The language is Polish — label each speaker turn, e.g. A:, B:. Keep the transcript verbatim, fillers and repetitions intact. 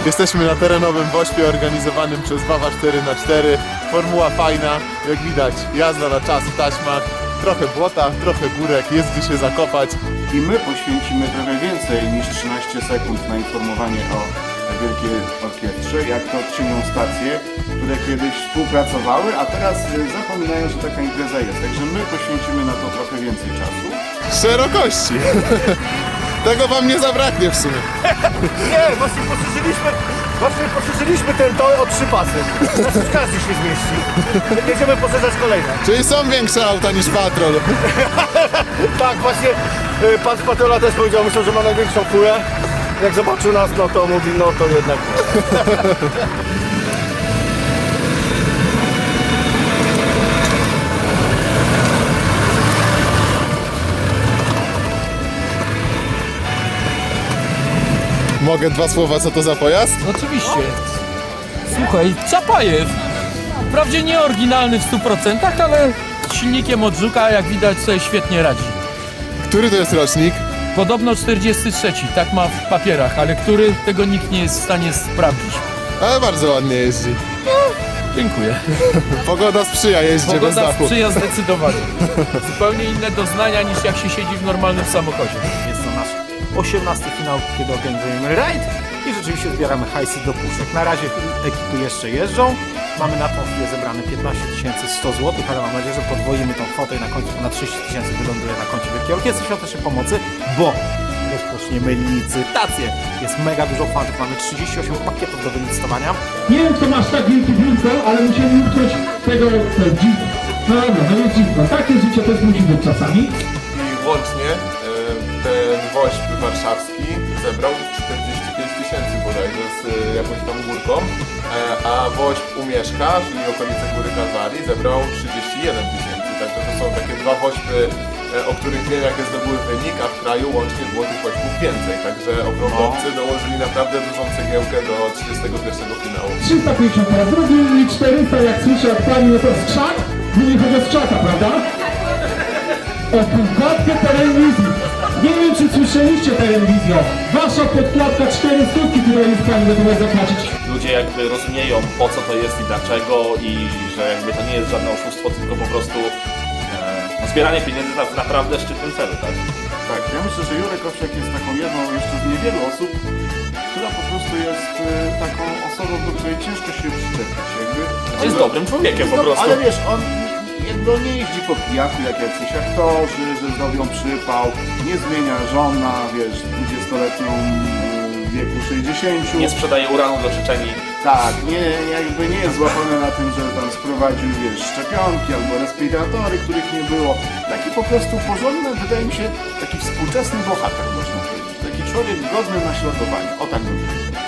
A: Jesteśmy na terenowym wośpie organizowanym przez Wawa cztery na cztery. Formuła fajna, jak widać, jazda na czas w taśmach. Trochę błota, trochę górek, jest gdzie się zakopać.
B: I my poświęcimy trochę więcej niż trzynaście sekund na informowanie o Wielkiej Orkiestrze, jak to czynią stacje, które kiedyś współpracowały, a teraz zapominają, że taka impreza jest. Także my poświęcimy na to trochę więcej czasu.
A: Szerokości. Tego wam nie zabraknie w sumie.
C: Nie, właśnie poszerzyliśmy, właśnie poszerzyliśmy ten tor o trzy pasy. Znaczy każdy się zmieści. Będziemy poszerzać kolejne.
A: Czyli są większe auta niż patrol.
C: Tak, właśnie y, pan z patrola też powiedział, myślał, że ma największą furę. Jak zobaczył nas, no to mówi, no to jednak nie.
A: Mogę dwa słowa, co to za pojazd?
D: Oczywiście. Słuchaj, Czapajew. Wprawdzie nie oryginalny w stu procentach, ale z silnikiem od Żuka, jak widać, sobie świetnie radzi.
A: Który to jest rocznik?
D: Podobno czterdziesty trzeci, tak ma w papierach, ale który, tego nikt nie jest w stanie sprawdzić.
A: Ale bardzo ładnie jeździ.
D: Dziękuję.
A: Pogoda sprzyja jeździe bez
D: Pogoda
A: dachu.
D: sprzyja zdecydowanie. Zupełnie inne doznania niż jak się siedzi w normalnym samochodzie.
C: Jest to nasz osiemnasty finał, kiedy organizujemy rajd i rzeczywiście zbieramy hajsy do puszek. Na razie ekipy jeszcze jeżdżą. Mamy na tą chwilę zebrane piętnaście tysięcy sto złotych, ale mam nadzieję, że podwoimy tą kwotę i na końcu na trzydzieści tysięcy wyląduje na koncie Wielkiej Orkiestry Świątecznej Pomocy, bo rozpoczniemy licytację. Jest mega dużo fanów, mamy trzydzieści osiem pakietów do wylicytowania.
E: Nie wiem, kto masz tak wielkie biurko, ale musieli ukryć tego dziwko. No dobra, no jest dziwko. Takie życie też musi być czasami.
A: I łącznie e, ten woźb warszawski zebrał czterdzieści pięć tysięcy bodajże z e, jakąś tam górką, e, a woźb Umieszka, czyli okolice Góry Kalwarii, zebrał trzydzieści jeden tysięcy. Także to są takie dwa woźby, e, o których wiem, jakie zdobyły wynik, a w kraju łącznie było tych woźbów więcej. Także okrągłowcy dołożyli naprawdę dużą cegiełkę do trzydziestego pierwszego finału.
E: trzysta pięćdziesiąt teraz zrobili czterysta, jak słyszę od pani, no to skrzak. Mówi chodzi o skrzaka, prawda? O podkładkę telewizji. Nie wiem, czy słyszeliście telewizję. Wasza podkładka cztery stówki, którą jest pani gotowa zapłacić.
F: Ludzie jakby rozumieją, po co to jest i dlaczego, i że jakby to nie jest żadne oszustwo, tylko po prostu e, no, zbieranie pieniędzy na w naprawdę szczytnym celu, tak?
B: Tak, ja myślę, że Jurek Owsiak jest taką jedną jeszcze z niewielu osób, która po prostu jest y, taką osobą, do której ciężko się przyczepić. Jakby,
F: Jest dobrym człowiekiem po
B: No,
F: prostu.
B: ale wiesz, on jakby on nie jeździ po pijaku jak jacyś aktorzy, że zrobią przypał, nie zmienia żona, wiesz, dwudziestoletnią w wieku sześćdziesięciu.
F: Nie sprzedaje uranu do Czeczenii.
B: Tak, nie, jakby nie jest złapany na tym, że tam sprowadził, wiesz, szczepionki albo respiratory, których nie było. Taki po prostu porządny, wydaje mi się, taki współczesny bohater, można powiedzieć. Taki człowiek godny naśladowania. O tak bym powiedział.